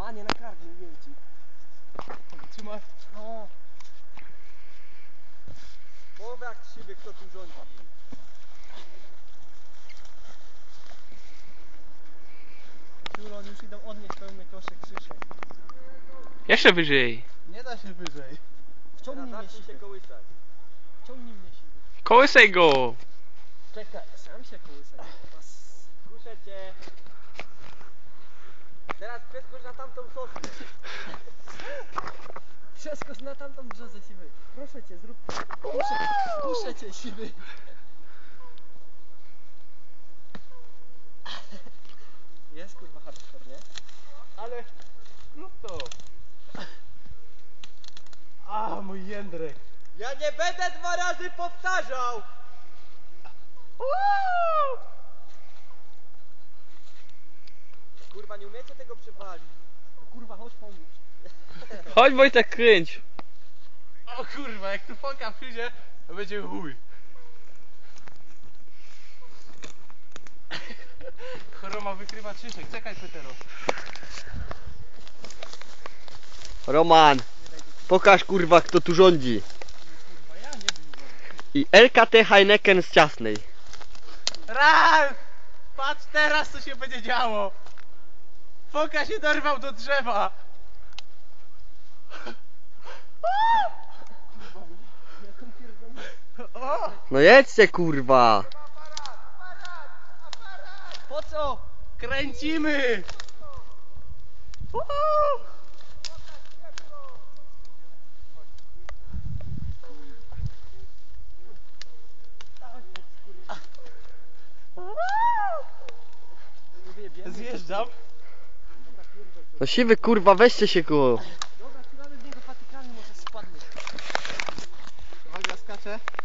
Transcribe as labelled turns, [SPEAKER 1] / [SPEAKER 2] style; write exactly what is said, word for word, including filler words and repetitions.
[SPEAKER 1] A nie, na kark, mówiłem ci.
[SPEAKER 2] Trzymaj.
[SPEAKER 1] No.
[SPEAKER 3] Mów jak siwy, kto tu rządzi.
[SPEAKER 1] Ciulon, już idą odnieść pełny koszyk Krzysiek.
[SPEAKER 4] Jeszcze wyżej.
[SPEAKER 2] Nie da się wyżej.
[SPEAKER 1] Wciągnij mnie
[SPEAKER 3] Zacznij się
[SPEAKER 1] siwy.
[SPEAKER 3] kołysać.
[SPEAKER 1] Wciągnij mnie siwy.
[SPEAKER 4] Kołysaj go.
[SPEAKER 1] Czekaj, sam się kołysaj.
[SPEAKER 3] Kuszę cię. Teraz przeskocz na tamtą sosnę.
[SPEAKER 1] Przeskocz na tamtą brzozę siwy. Proszę cię, zrób. Kuszę, kuszę cię siwy. Jest kurwa hardcore, nie?
[SPEAKER 2] Ale zrób to. A, mój jędrek.
[SPEAKER 3] Ja nie będę dwa razy powtarzał. Kurwa, nie umiecie tego przywalić.
[SPEAKER 1] No kurwa, chodź pomóż.
[SPEAKER 4] Chodź Wojtek, kręć.
[SPEAKER 2] O kurwa, jak tu foka przyjdzie, to będzie chuj. Choroma wykrywa Krzysiek, czekaj Petero.
[SPEAKER 5] Roman, pokaż kurwa kto tu rządzi. I L K T Heineken z Ciasnej.
[SPEAKER 2] Raz! Patrz teraz co się będzie działo. Foka się dorwał do drzewa. O!
[SPEAKER 5] No jedźcie kurwa.
[SPEAKER 1] Po co?
[SPEAKER 2] Kręcimy! Uhu! Zjeżdżam.
[SPEAKER 5] No siwy kurwa, weźcie się ku.
[SPEAKER 1] Dobra, wcinamy w niego patykami, może spadnie.
[SPEAKER 2] Uwaga, skaczę.